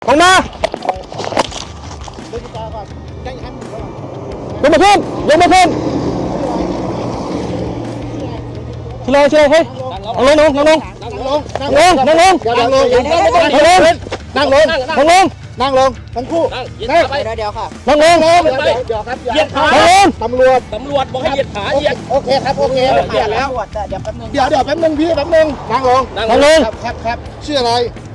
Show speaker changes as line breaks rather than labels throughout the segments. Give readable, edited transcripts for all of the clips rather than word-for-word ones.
ลงมาลงมาขึ้นลงมาขึ้นเฉยเฮ้ยนั่งลงนั่งลงนั่งลงนั่งลงนั่งลงนั่งลงนั่งลงนั่งลงทั้งคู่นั่งเดี๋ยวค่ะนั่งลงเดี๋ยวครับเหยียดขาตำรวจบอกให้เหยียดขาเหยียดโอเคครับโอเคเหยียดแล้วเดี๋ยวแป๊บนึงพี่แป๊บนึงนั่งลงครับชื่ออะไร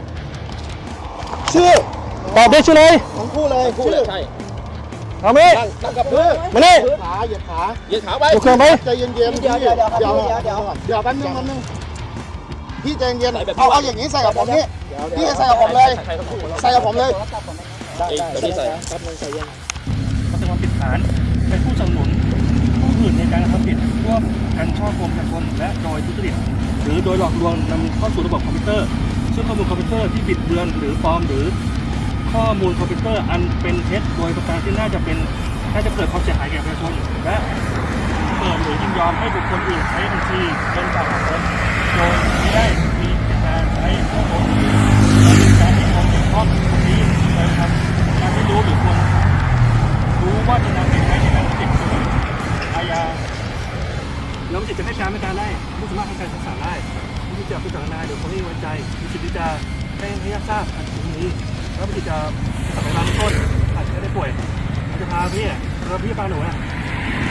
ชื่อตอบได้ชื่อเลยทั้งคู่เลยชื่อใช่เอาไหมนั่งกับพื้นมานี่เหยียดขาไปโอเคไหมใจเย็นเดี๋ยวแป๊บนึงพี่ใจเย็นเอาอย่างนี้ใส่กับผมนี่พี่ใส่กับผมเลยใส่กับผมเลยได้ใส่ครับใส่ยัง
เขาเป็นความผิดฐานเป็นผู้สนับสนุนผู้อื่นในการกระทำผิดร่วมกันช่อโกงประชาชนและโดยทุจริตหรือโดยหลอกลวงนำเข้าสู่ระบบคอมพิวเตอร์ซึ่งข้อมูลคอมพิวเตอร์ที่บิดเบือนหรือปลอมหรือข้อมูลคอมพิวเตอร์อันเป็นเท็จโดยประการที่น่าจะเกิดความเสียหายแก่ประชาชนและเปิดหรือยินยอมให้บุคคลอื่นใช้บัญชีเป็นฝากของตนโดยไม่ได้มีเจตนาใช้ข้อมูลหรือการที่คนเกี่ยวข้องกับนี้โดยทำการไม่รู้หรือควรรู้ว่าจะนำไปใช้ในการติดอาญาแล้วมีสิทธิ์จะให้การไม่การได้ไม่สามารถให้การศึกษาได้มีสิทธิ์จะพิจารณาหรือคนที่ไว้ใจมีสิทธิ์ที่จะให้ญาติทราบอันนี้แล้วมีสิทธิ์จะสัมภาระต้นอาจจะไม่ได้ป่วยอาจจะพาพี่เราพี่พาหนู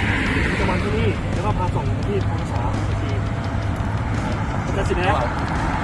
จะมาที่นี่แล้วก็พาส่งที่กองสาบัญชีเป็นสิทธิ์แล้ว